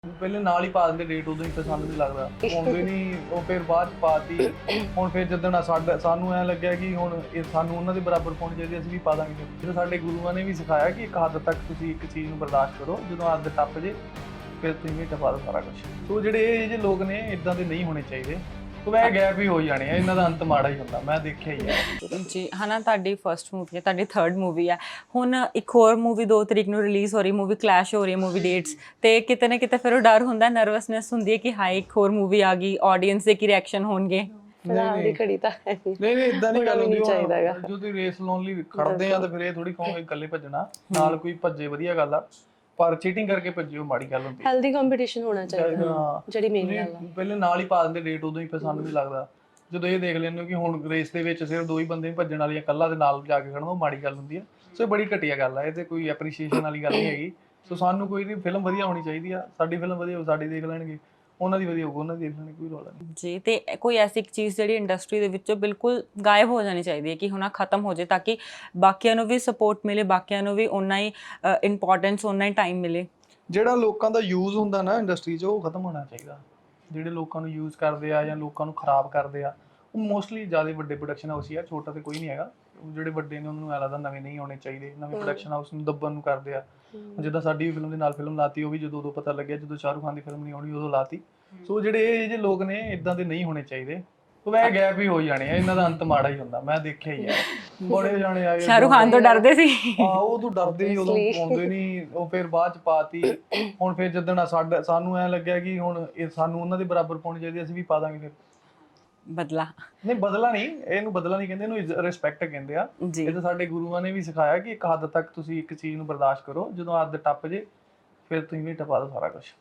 ਪਹਿਲੇ ਨਾਲ ਹੀ ਪਾ ਦਿੰਦੇ ਡੇਟ, ਉਦੋਂ ਹੀ ਪਸੰਦ ਨਹੀਂ ਲੱਗਦਾ, ਆਉਂਦੇ ਨਹੀਂ ਉਹ ਫਿਰ ਬਾਅਦ ਚ ਪਾਤੀ। ਹੁਣ ਫਿਰ ਜਦੋਂ ਸਾਨੂੰ ਐ ਲੱਗਿਆ ਕਿ ਹੁਣ ਇਹ ਸਾਨੂੰ ਉਹਨਾਂ ਦੇ ਬਰਾਬਰ ਪਾਉਣੀ ਚਾਹੀਦੀ, ਅਸੀਂ ਵੀ ਪਾ ਦਾਂਗੇ। ਫਿਰ ਸਾਡੇ ਗੁਰੂਆਂ ਨੇ ਵੀ ਸਿਖਾਇਆ ਕਿ ਇੱਕ ਹੱਦ ਤੱਕ ਤੁਸੀਂ ਇੱਕ ਚੀਜ਼ ਨੂੰ ਬਰਦਾਸ਼ਤ ਕਰੋ, ਜਦੋਂ ਹੱਦ ਟੱਪ ਜੇ ਫਿਰ ਤੁਸੀਂ ਵੀ ਟਪਾ ਦਿਓ ਸਾਰਾ ਕੁਝ। ਸੋ ਜਿਹੜੇ ਇਹ ਜਿਹੇ ਲੋਕ ਨੇ ਇਦਾਂ ਦੇ ਨਹੀਂ ਹੋਣੇ ਚਾਹੀਦੇ। ਸੋ ਇਹ ਗੈਪ ਹੀ ਹੋ ਜਾਣੇ ਆ, ਇਹਨਾਂ ਦਾ ਅੰਤ ਮਾੜਾ ਹੀ ਹੁੰਦਾ, ਮੈਂ ਦੇਖਿਆ ਹੀ ਹੈ ਜੀ। ਹਨਾ, ਤੁਹਾਡੀ ਫਰਸਟ ਮੂਵੀ ਹੈ, ਤੁਹਾਡੀ ਥਰਡ ਮੂਵੀ ਹੈ, ਹੁਣ ਇੱਕ ਹੋਰ ਮੂਵੀ 2 ਤਰੀਕ ਨੂੰ ਰਿਲੀਜ਼ ਹੋ ਰਹੀ, ਮੂਵੀ ਕਲੈਸ਼ ਹੋ ਰਹੀ ਹੈ ਮੂਵੀ ਡੇਟਸ, ਤੇ ਕਿਤੇ ਨਾ ਕਿਤੇ ਫਿਰ ਉਹ ਡਰ ਹੁੰਦਾ, ਨਰਵਸਨੈਸ ਹੁੰਦੀ ਹੈ ਕਿ ਹਾਈ ਇੱਕ ਹੋਰ ਮੂਵੀ ਆ ਗਈ, ਆਡੀਅנס ਦੇ ਕੀ ਰਿਐਕਸ਼ਨ ਹੋਣਗੇ। ਫਿਲਹਾਲ ਦੀ ਘੜੀ ਤਾਂ ਹੈ ਨਹੀਂ ਇਦਾਂ ਨਹੀਂ ਗੱਲ ਹੁੰਦੀ। ਚਾਹੀਦਾ ਹੈਗਾ ਜੋ ਤੁਸੀਂ ਰੇਸ ਲਾਉਣ ਲਈ ਖੜਦੇ ਆ ਤਾਂ ਫਿਰ ਇਹ ਥੋੜੀ ਕਹੋਗੇ ਇਕੱਲੇ ਭੱਜਣਾ, ਨਾਲ ਕੋਈ ਭੱਜੇ ਵਧੀਆ ਗੱਲ ਆ, ਪਰ ਚੀਟਿੰਗ ਕਰਕੇ ਭੱਜਿਓ ਮਾੜੀ ਗੱਲ ਹੁੰਦੀ। ਹੈਲਦੀ ਕੰਪੀਟੀਸ਼ਨ ਹੋਣਾ ਚਾਹੀਦਾ, ਜਿਹੜੀ ਮੇਨ ਗੱਲ ਆ। ਪਹਿਲੇ ਨਾਲ ਹੀ ਪਾ ਦਿੰਦੇ ਡੇਟ, ਉਦੋਂ ਹੀ ਪਸੰਦ ਨਹੀਂ ਲੱਗਦਾ। ਜਦੋਂ ਇਹ ਦੇਖ ਲੈਂਦੇ ਹੋ ਕਿ ਹੁਣ ਰੇਸ ਦੇ ਵਿੱਚ ਸਿਰਫ 2 ਹੀ ਬੰਦੇ ਭੱਜਣ ਵਾਲੀ ਆ, ਇਕੱਲਾ ਦੇ ਨਾਲ ਜਾ ਕੇ ਖੜਨਾ, ਉਹ ਮਾੜੀ ਗੱਲ ਹੁੰਦੀ ਆ। ਸੋ ਇਹ ਬੜੀ ਘਟੀਆ ਗੱਲ ਆ, ਇਹ ਤੇ ਕੋਈ ਐਪਰੀਸ਼ੀਏਸ਼ਨ ਵਾਲੀ ਗੱਲ ਨਹੀਂ ਹੈਗੀ। ਸੋ ਸਾਨੂੰ ਕੋਈ ਨਹੀਂ, ਫਿਲਮ ਵਧੀਆ ਹੋਣੀ ਚਾਹੀਦੀ ਆ, ਸਾਡੀ ਫਿਲਮ ਵਧੀਆ ਹੋ ਸਾਡੀ ਦੇਖ ਲੈਣਗੇ, ਉਹਨਾਂ ਦੀ ਵਧੀਆ ਹੋਊ ਉਹਨਾਂ ਦੀ ਦੇਖ ਲੈਣਗੇ, ਕੋਈ ਰੌਲਾ ਨਹੀਂ ਜੀ। ਤੇ ਕੋਈ ਐਸੀ ਇੱਕ ਚੀਜ਼ ਜਿਹੜੀ ਇੰਡਸਟਰੀ ਦੇ ਵਿੱਚੋਂ ਬਿਲਕੁਲ ਗਾਇਬ ਹੋ ਜਾਣੀ ਚਾਹੀਦੀ ਹੈ ਕਿ ਹੁਣ ਖਤਮ ਹੋ ਜਾਏ, ਤਾਂ ਕਿ ਬਾਕੀਆਂ ਨੂੰ ਵੀ ਸਪੋਰਟ ਮਿਲੇ, ਬਾਕੀਆਂ ਨੂੰ ਵੀ ਓਨਾ ਹੀ ਇੰਪੋਰਟੈਂਸ, ਓਨਾ ਹੀ ਟਾਈਮ ਮਿਲੇ। ਜਿਹੜਾ ਲੋਕਾਂ ਦਾ ਯੂਜ਼ ਹੁੰਦਾ ਨਾ ਇੰਡਸਟਰੀ 'ਚ, ਉਹ ਖਤਮ ਹੋਣਾ ਚਾਹੀਦਾ। ਜਿਹੜੇ ਲੋਕਾਂ ਨੂੰ ਯੂਜ਼ ਕਰਦੇ ਆ ਜਾਂ ਲੋਕਾਂ ਨੂੰ ਖਰਾਬ ਕਰਦੇ ਆ, ਉਹ ਮੋਸਟਲੀ ਜ਼ਿਆਦਾ ਵੱਡੇ ਪ੍ਰੋਡਕਸ਼ਨ ਹਾਊਸ ਹੀ ਆ, ਛੋਟਾ ਤੇ ਕੋਈ ਨਹੀਂ ਹੈਗਾ। ਜਿਹੜੇ ਵੱਡੇ ਨੇ ਉਹਨਾਂ ਨੂੰ ਐਂ ਲੱਗਦਾ ਨਵੇਂ ਨਹੀਂ ਆਉਣੇ ਚਾਹੀਦੇ, ਨਵੇਂ ਪ੍ਰੋਡਕਸ਼ਨ ਹਾਊਸ ਨੂੰ ਦੱਬਣ ਨੂੰ ਕਰਦੇ ਆ। ਜਿੱਦਾਂ ਸਾਡੀ ਵੀ ਫਿਲਮ ਦੇ ਨਾਲ ਫਿਲਮ ਲਾਤੀ, ਉਹ ਵੀ ਜਦੋਂ ਉਦੋਂ ਪਤਾ ਲੱਗਿਆ ਜਦੋਂ ਸ਼ਾਹਰੁਖ ਖਾਨ ਦੀ ਫਿਲਮ ਨਹੀਂ ਆਉਣੀ ਉਦੋਂ ਲਾਤੀ। ਸੋ ਜਿਹੜੇ ਇਹ ਜਿਹੇ ਲੋਕ ਨੇ ਇਦਾਂ ਦੇ ਨਹੀਂ ਹੋਣੇ ਚਾਹੀਦੇ। ਸੋ ਇਹ ਗੈਪ ਹੀ ਹੋ ਜਾਣੇ ਆ, ਇਹਨਾਂ ਦਾ ਅੰਤ ਮਾੜਾ ਹੀ ਹੁੰਦਾ, ਮੈਂ ਦੇਖਿਆ ਹੀ ਹੈ। ਬੜੇ ਜਾਣੇ ਆਏ ਸ਼ਾਹਰੁਖ ਖਾਨ ਤੋਂ ਡਰਦੇ ਸੀ। ਉਹ ਤੋਂ ਡਰਦੇ ਹੀ, ਉਦੋਂ ਆਉਂਦੇ ਨਹੀਂ, ਉਹ ਫਿਰ ਬਾਅਦ ਚ ਪਾਤੀ। ਹੁਣ ਫਿਰ ਜਦੋਂ ਸਾਨੂੰ ਐ ਲੱਗਿਆ ਕਿ ਹੁਣ ਇਹ ਸਾਨੂੰ ਉਹਨਾਂ ਦੇ ਬਰਾਬਰ ਪਾਉਣੀ ਚਾਹੀਦੀ, ਅਸੀਂ ਵੀ ਪਾ ਦਾਂਗੇ। ਫਿਰ ਬਦਲਾ ਨਹੀਂ, ਬਦਲਾ ਨਹੀਂ, ਇਹਨੂੰ ਬਦਲਾ ਨਹੀਂ ਕਹਿੰਦੇ, ਇਹਨੂੰ ਰਿਸਪੈਕਟ ਕਹਿੰਦੇ ਆ। ਇਹ ਤਾਂ ਸਾਡੇ ਗੁਰੂਆਂ ਨੇ ਵੀ ਸਿਖਾਇਆ ਕਿ ਇੱਕ ਹੱਦ ਤੱਕ ਤੁਸੀਂ ਇੱਕ ਚੀਜ਼ ਨੂੰ ਬਰਦਾਸ਼ਤ ਕਰੋ, ਜਦੋਂ ਹੱਦ ਟੱਪ ਜੇ ਫਿਰ ਤੁਸੀਂ ਵੀ ਟਪਾ ਦਿਓ ਸਾਰਾ ਕੁਝ।